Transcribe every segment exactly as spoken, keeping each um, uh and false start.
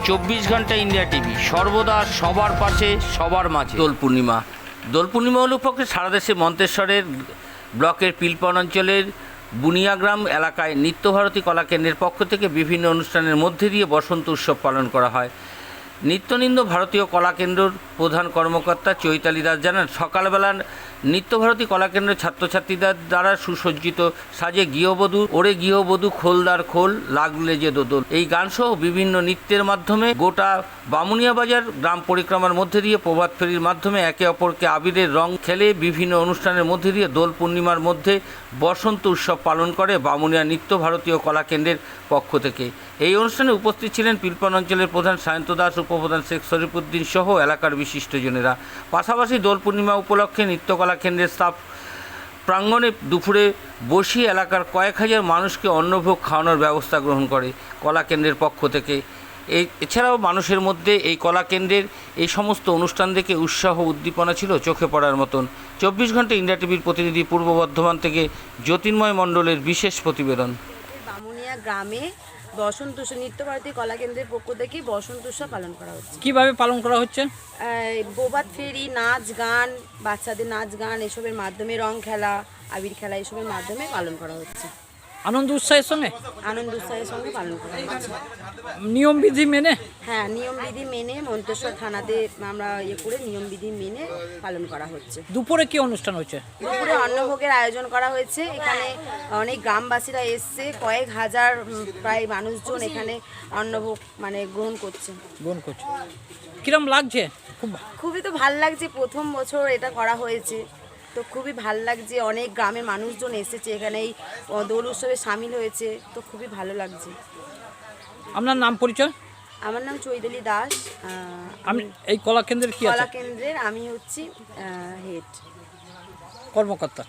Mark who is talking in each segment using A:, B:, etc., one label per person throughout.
A: চব্বিশ ঘন্টা India TV সর্বদা সবার পাশে সবার মাঝে। দোল পূর্ণিমা দোল পূর্ণিমা উপলক্ষে সারা দেশে মন্তেশ্বরের ব্লকের পিলপন অঞ্চলের বুনিয়াগ্রাম এলাকায় নিত্যভারতী কলাকেন্দ্রের পক্ষ থেকে বিভিন্ন অনুষ্ঠানের মধ্যে দিয়ে বসন্ত উৎসব পালন করা হয়। নিত্যনিন্দ ভারতীয় কলাকেন্দ্রর প্রধান কর্মকর্তা চৈতালি দাস জানান, সকালবেলা নিত্যভারতী কলাকেন্দ্রের ছাত্রছাত্রীদের দ্বারা সুসজ্জিত সাজে গৃহবধূ ওরে গৃহবধূ খোলদার খোল লাগলে যে দোদল এই গানসহ বিভিন্ন নৃত্যের মাধ্যমে গোটা বামুনিয়া বাজার গ্রাম পরিক্রমার মধ্যে দিয়ে প্রভাত ফেরির মাধ্যমে একে অপরকে আবিরের রং খেলে বিভিন্ন অনুষ্ঠানের মধ্যে দিয়ে দোল পূর্ণিমার মধ্যে বসন্ত উৎসব পালন করে বামুনিয়া নিত্য ভারতীয় কলাকেন্দ্রের পক্ষ থেকে। এই অনুষ্ঠানে উপস্থিত ছিলেন পিলপন অঞ্চলের প্রধান সায়ন্ত দাস, উপপ্রধান শেখ শরীফুদ্দিন সহ এলাকার বিশিষ্টজনেরা। পাশাপাশি দোল পূর্ণিমা উপলক্ষে নিত্যকলা কেন্দ্রের স্টাফ প্রাঙ্গণে দুপুরে বসিয়ে এলাকার কয়েক হাজার মানুষকে অন্নভোগ খাওয়ানোর ব্যবস্থা গ্রহণ করে কলা কেন্দ্রের পক্ষ থেকে। এই এছাড়াও মানুষের মধ্যে এই কলা কেন্দ্রের এই সমস্ত অনুষ্ঠান দেখে উৎসাহ উদ্দীপনা ছিল চোখে পড়ার মতন। চব্বিশ ঘন্টা ইন্ডিয়া টিভির প্রতিনিধি পূর্ব বর্ধমান থেকে জ্যোতির্ময় মণ্ডলের বিশেষ প্রতিবেদন।
B: বামুনিয়া গ্রামে বসন্ত উৎসব নিত্যভারতী কলা কেন্দ্রের পক্ষ থেকে বসন্ত উৎসব পালন করা হচ্ছে।
C: কিভাবে পালন করা হচ্ছে?
B: প্রভাত ফেরি, নাচ গান, বাচ্চাদের নাচ গান এসবের মাধ্যমে, রং খেলা, আবির খেলা এসবের মাধ্যমে পালন করা হচ্ছে।
C: আনন্দ উৎসাহের সঙ্গে
B: আনন্দ উৎসাহের সঙ্গে পালন করা হচ্ছে।
C: নিয়মবিধি মেনে?
B: হ্যাঁ, নিয়মবিধি মেনে মন্তেশ্বর থানাতে আমরা ইয়ে করে নিয়মবিধি মেনে পালন করা হচ্ছে।
C: দুপুরে কি অনুষ্ঠান হচ্ছে?
B: দুপুরে অন্নভোগের আয়োজন করা হয়েছে। এখানে অনেক গ্রামবাসীরা এসছে, কয়েক হাজার প্রায় মানুষজন এখানে অন্নভোগ মানে গ্রহণ করছে।
C: গ্রহণ করছে। কিরম লাগছে? খুব
B: খুবই তো ভাল লাগছে, প্রথম বছর এটা করা হয়েছে তো খুবই ভাল লাগছে। অনেক গ্রামের মানুষজন এসেছে এখানে, এই দোল উৎসবে সামিল হয়েছে, তো খুবই ভালো লাগছে।
C: আপনার নাম পরিচয়?
B: আমার নাম চৈতালি দাস।
C: আমি এই কলা কেন্দ্রের কি আছে?
B: কলা কেন্দ্রের আমি হচ্ছি হেড
C: কর্মকর্তা।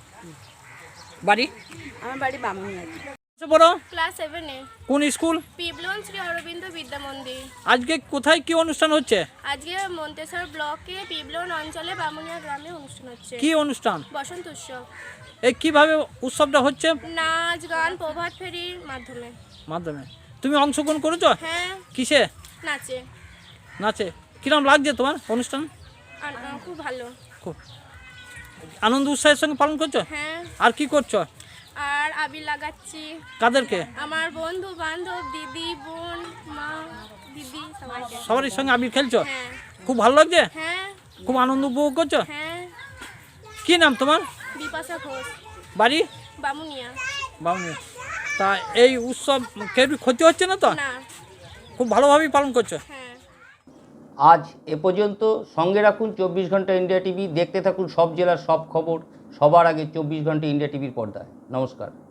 C: বাড়ি?
B: আমার বাড়ি বামুনিয়া।
C: বড়
D: ক্লাস সেভেন এ।
C: কোন স্কুল?
D: পিবলন শ্রী অরবিন্দ বিদ্যা মন্দির।
C: আজকে কোথায় কি অনুষ্ঠান হচ্ছে?
D: আজকে মন্তেশ্বর ব্লকে পিবলন অঞ্চলে বামুনিয়া গ্রামে অনুষ্ঠান হচ্ছে।
C: কি অনুষ্ঠান?
D: বসন্ত উৎসব।
C: এই কিভাবে উৎসবটা হচ্ছে?
D: নাচ গান প্রভাত ফেরির মাধ্যমে।
C: মাধ্যমে। তুমি অংশগ্রহণ করেছো?
D: হ্যাঁ।
C: কিসে?
D: নাচে।
C: নাচে। কিরম লাগছে তোমার অনুষ্ঠান?
D: আন- আ, খুব ভালো।
C: খুব আনন্দ উৎসাহের সঙ্গে পালন করছো?
D: হ্যাঁ।
C: আর কি করছো?
D: আর আবির লাগাচ্ছি
C: কাদেরকে?
D: আমার বন্ধু বান্ধব, দিদি, বোন, মা, দিদি সবাইকে।
C: সবার সঙ্গে আবির খেলছো?
D: হ্যাঁ।
C: খুব ভালো লাগছে?
D: হ্যাঁ।
C: খুব আনন্দ উপভোগ করছো?
D: হ্যাঁ।
C: কি নাম তোমার?
D: বিপাশা ঘোষ।
C: বাড়ি?
D: বামুনিয়া।
C: বামুনিয়া। তা এই উৎসব কেউ ক্ষতি হচ্ছে না তো?
D: না।
C: খুব ভালোভাবেই পালন করছো?
D: হ্যাঁ।
A: আজ এ পর্যন্ত। সঙ্গে রাখুন চব্বিশ ঘন্টা ইন্ডিয়া টিভি। দেখতে থাকুন সব জেলার সব খবর সবার আগে চব্বিশ ঘন্টা ইন্ডিয়া টিভির পর্দায়। নমস্কার।